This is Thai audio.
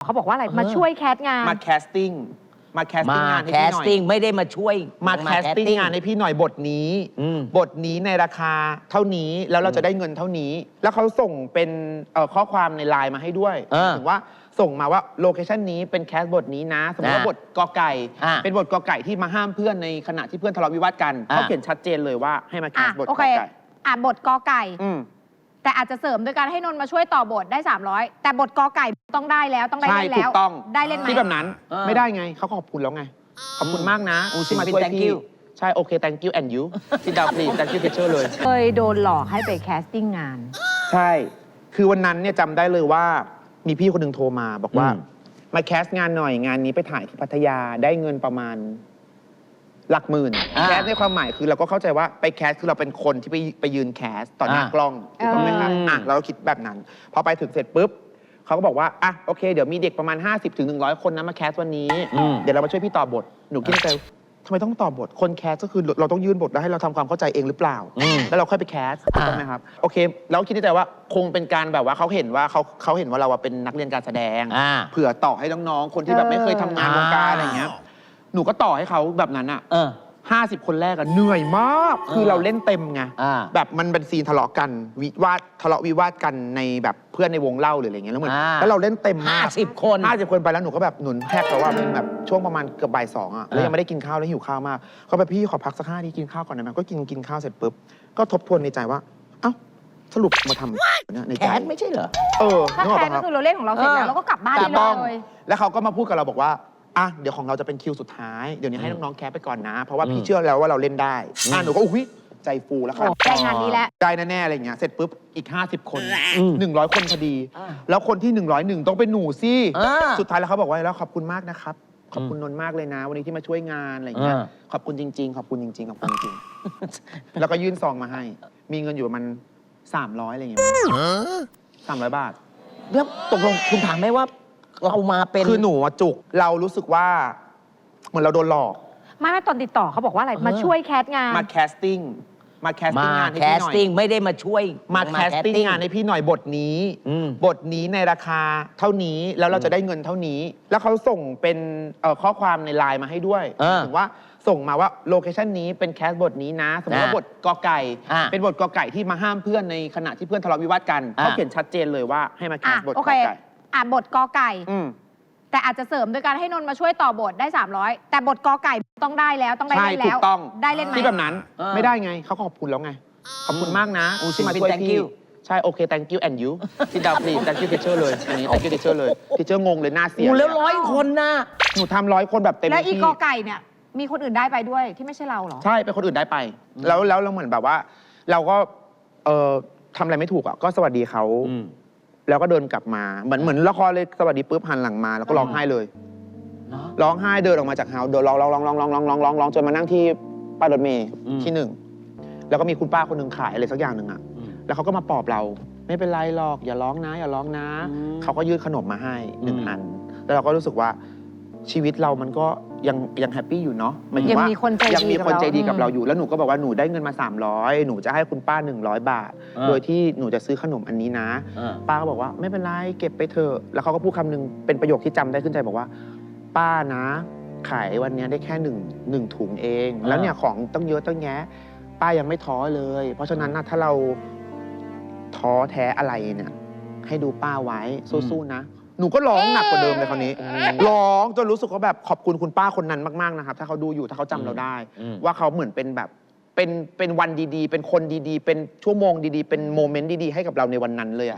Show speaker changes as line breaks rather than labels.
เขาบอกว่าอะไรมาช่วยแคสงาน
มาแคสติ้งงานให้พี่หน่อย
ไม่ได้มาช่วย
มาแคสติ้งงานให้พี่หน่อยบทนี้ในราคาเท่านี้แล้วเราจะได้เงินเท่านี้ แล้วเขาส่งเป็นข้อความในไลน์มาให้ด้วยถึงว่าส่งมาว่าโลเคชันนี้เป็นแคสบทนี้นะสมมติว่าบทกอไก่เป็นบทกอไก่ที่มาห้ามเพื่อนในขณะที่เพื่อนทะเลาะวิวาทกันเขาเขียนชัดเจนเลยว่าให้มาแคสบทกอไก่
บทกอไก่แต่อาจจะเสริมโดยการให้นนท์มาช่วยต่อบทได้300แต่บทกอไก่ต้องได้แล้วต้องได้เล่นแล้วได้เล่นไหม
ที่แบบนั้นไม่ได้ไงเขาก็ขอบคุณแล้วไงขอบคุณมากนะที่มาช่วยพี่ใช่โอเค thank you and you ที่ดาวพลี thank you teacher เลย
เคยโดนหลอกให้ไปแคสติ้งงาน
ใช่คือวันนั้นเนี่ยจำได้เลยว่ามีพี่คนหนึ่งโทรมาบอกว่ามาแคสงานหน่อยงานนี้ไปถ่ายที่พัทยาได้เงินประมาณหลักหมื่นแคสในความหมายคือเราก็เข้าใจว่าไปแคสคือเราเป็นคนที่ไปยืนแคสต่อหน้ากล้องถูกต้องไหมครับเราก็คิดแบบนั้นพอไปถึงเสร็จปุ๊บเขาก็บอกว่าโอเคเดี๋ยวมีเด็กประมาณ50 ถึง 100 คนนะมาแคสวันนี้เดี๋ยวเรามาช่วยพี่ต่อบทหนูคิดในใจทำไมต้องต่อบทคนแคสก็คือเราต้องยื่นบทแล้วให้เราทำความเข้าใจเองหรือเปล่าแล้วเราค่อยไปแคสถูกต้องไหมครับโอเคแล้วคิดในใจว่าคงเป็นการแบบว่าเขาเห็นว่าเขาเห็นว่าเราเป็นนักเรียนการแสดงเผื่อต่อให้น้องๆคนที่แบบไม่เคยทำงานวงการอะไรอย่างเงี้ยหนูก็ต่อให้เขาแบบนั้น50 คนแรกเหนื่อยมากคือเราเล่นเต็มไงแบบมันเป็นซีนทะเลาะกันทะเลาะวิวาทกันในแบบเพื่อนในวงเล่าหรืออะไรเงี้ยแล้วเหมือนแล้วเราเล่นเต็มมาก
50 คน
ไปแล้วหนูก็แบบหนุนแทกแล้วว่ามันแบบช่วงประมาณเกือบบ่าย 2แล้วยังไม่ได้กินข้าวแล้วหิวข้าวมากเขาแบบพี่ขอพักสัก5 นาทีกินข้าวก่อนได้ไหมก็กินข้าวเสร็จปุ๊บก็ทบทวนในใจว่าเอ้าสรุปมาทำเนี่ยในใจ
แคสไม่ใช่เหรอ
ถ้าแคสก็คือเราเล่นของเราเสร็จแล้วเราก็กลับบ้านได้เลย
แล้วเขาก็มาพูดกับเราบอกว่าเดี๋ยวของเราจะเป็นคิวสุดท้ายเดี๋ยวนี้ให้น้องๆแคสไปก่อนนะเพราะว่าพี่เชื่อแล้วว่าเราเล่นได้หนูก็อุ้ยใจฟูแล้วครับ
ได้งานนี้แล้ว
ได้แน่ๆอะไรเงี้ยเสร็จปุ๊บอีก50 คน100 คนพอดีแล้วคนที่101ต้องเป็นหนูสิสุดท้ายแล้วเขาบอกว่าแล้วขอบคุณมากนะครับขอบคุณนนท์มากเลยนะวันนี้ที่มาช่วยงานอะไรเงี้ยขอบคุณจริงๆขอบคุณจริงๆขอบคุณจริงแล้วก็ยื่นซองมาให้มีเงินอยู่ประมาณ300อะไรเงี้ย300 บาท
แล้วตกลงคุณถามไหมว่าเรามาเป็น
คือหนูจุกเรารู้สึกว่าเหมือนเราโดนหลอก
ไม่ตอนติดต่อเขาบอกว่าอะไรมาช่วยแคสงาน
มาแคสติ้งงานให้พี่หน่อย
ไม่ได้มาช่วย
มาแคสติ้งงานให้พี่หน่อยบทนี้ในราคาเท่านี้แล้วเราจะได้เงินเท่านี้ แล้วเขาส่งเป็นข้อความในไลน์มาให้ด้วยถึงว่าส่งมาว่าโลเคชันนี้เป็นแคสบทนี้นะสมมติว่าบทกอไก่เป็นบทกอไก่ที่มาห้ามเพื่อนในขณะที่เพื่อนทะเลาะวิวาทกันเขาเขียนชัดเจนเลยว่าให้มาแคสบทกอไก่
บทกอไก่แต่อาจจะเสริมโดยการให้นนท์มาช่วยต่อบทได้300แต่บทกอไก่ต้องได้แล้วต้องได้เล่นแล้วได้เล่นไหม
ที่แบบนั้นไม่ได้ไงเขาขอบคุณแล้วไงขอบคุณมากนะที่มาช่วยพี่ใช่โอเค thank you and you ที่ดาวพลี thank you teacher เลยอันนี้ thank you teacher เลย teacher งงเลยหน้าเสีย
แล้ว100 คนนะ
หนูทำ100 คนแบบเต็มที่
แล้วอีกอไก่เนี่ยมีคนอื่นได้ไปด้วยที่ไม่ใช่เราหรอ
ใช่เป็นคนอื่นได้ไปแล้วเราเหมือนแบบว่าเราก็ทำอะไรไม่ถูกก็สวัสดีเขาแล้วก็เดินกลับมาเหมือนละครเลยสวัสดีปุ๊บหันหลังมาแล้วก็ร้องไห้เลยร้องไห้เดินออกมาจากเฮาส์เดินร้องจนมานั่งที่ป้ายรถเมล์ที่1แล้วก็มีคุณป้าคนหนึ่งขายอะไรสักอย่างหนึ่งแล้วเขาก็มาปลอบเราไม่เป็นไรหรอกอย่าร้องนะเขาก็ยื่นขนมมาให้1 อันแล้วเราก็รู้สึกว่าชีวิตเรามันก็ยังแฮปปี้อยู่เนาะ
ยังมีคน
ใจดีกับเราอยู่แล้วหนูก็บอกว่าหนูได้เงินมา300หนูจะให้คุณป้า100 บาทโดยที่หนูจะซื้อขนมอันนี้นะป้าก็บอกว่าไม่เป็นไรเก็บไปเถอะแล้วเขาก็พูดคำนึงเป็นประโยคที่จำได้ขึ้นใจบอกว่าป้านะขายวันนี้ได้แค่หนึ่งถุงเองแล้วเนี่ยของต้องเยอะต้องแยะป้ายังไม่ท้อเลยเพราะฉะนั้นนะถ้าเราท้อแท้อะไรเนี่ยให้ดูป้าไว้สู้ๆนะหนูก็ร้องหนักกว่าเดิมเลยคราวนี้ร้องจนรู้สึกว่าแบบขอบคุณคุณป้าคนนั้นมากๆนะครับถ้าเขาดูอยู่ถ้าเขาจำเราได้ว่าเขาเหมือนเป็นแบบเป็นวันดีๆเป็นคนดีๆเป็นชั่วโมงดีๆเป็นโมเมนต์ดีๆให้กับเราในวันนั้นเลย